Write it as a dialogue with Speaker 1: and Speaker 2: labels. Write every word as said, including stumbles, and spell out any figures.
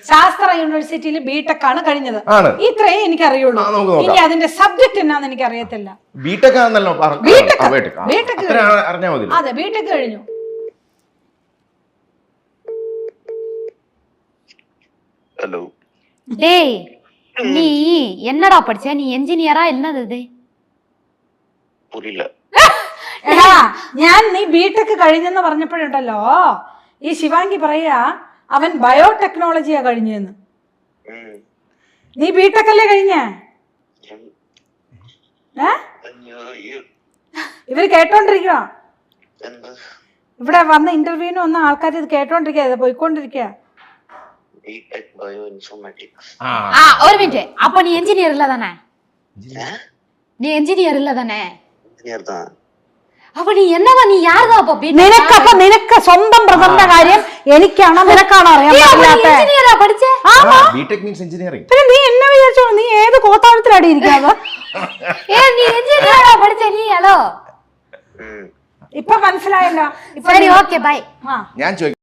Speaker 1: ശാസ്ത്ര യൂണിവേഴ്സിറ്റിയിൽ ബിടെക് ആണ് കഴിഞ്ഞത്. ഇത്രേ എനിക്ക് അറിയുള്ളൂ. ഇനി അതിന്റെ സബ്ജക്ട് എന്നാന്ന് എനിക്ക് അറിയത്തില്ല.
Speaker 2: ബിടെക് ആണല്ലോ.
Speaker 1: അതെ, ബിടെക് കഴിഞ്ഞു.
Speaker 3: ஹலோ
Speaker 4: டேய் நீ என்னடா படிச்ச? நீ என்ஜினியரா என்னது இது?
Speaker 3: புரியல.
Speaker 1: എടാ, ഞാൻ നീ ബിടെക് കഴിഞ്ഞെന്ന് പറഞ്ഞപ്പോഴുണ്ടല്ലോ ഈ ശിവാംഗി പറയാ അവൻ ബയോടെക്നോളജിയാ കഴിഞ്ഞെന്ന്. നീ ബിടെക് അല്ലേ കഴിഞ്ഞേ? ഏ ഇവര് കേട്ടോണ്ടിരിക്കുക. ഇവിടെ വന്ന ഇന്റർവ്യൂവിന് വന്ന ആൾക്കാർ ഇത് കേട്ടോണ്ടിരിക്കുക, പോയിക്കൊണ്ടിരിക്കുക.
Speaker 4: ஒரு மினிட். அப்ப நீ என்ஜினியர் இல்ல தானே? நீ என்ஜினியர் இல்ல தானே?
Speaker 3: என்ஜினியர் தான்.
Speaker 4: அப்ப നീ എന്നതാ? നീ യാരതാ? അപ്പൊ
Speaker 1: നിനക്ക് അപ്പൊ നിനക്ക് സ്വന്തം ബ്രദറിന്റെ കാര്യം എനിക്കാണോ നിനക്കാണോ അറിയാൻ പറ്റില്ലാത്ത?
Speaker 4: എഞ്ചിനീയറാ പഠിച്ചേ?
Speaker 2: BTech means engineering.
Speaker 1: പിന്നെ നീ എന്നെ വിചാരിച്ചോ നീ ഏത് കോത്താഴത്തിലടി ഇരിക്കാതെ?
Speaker 4: ഏ നീ എഞ്ചിനീയറാ പഠിച്ചേ നീ? ഹലോ,
Speaker 1: ഇപ്പൊ മനസ്സിലായല്ലോ.
Speaker 4: സരി, ഓക്കേ, ബൈ.
Speaker 2: ഞാൻ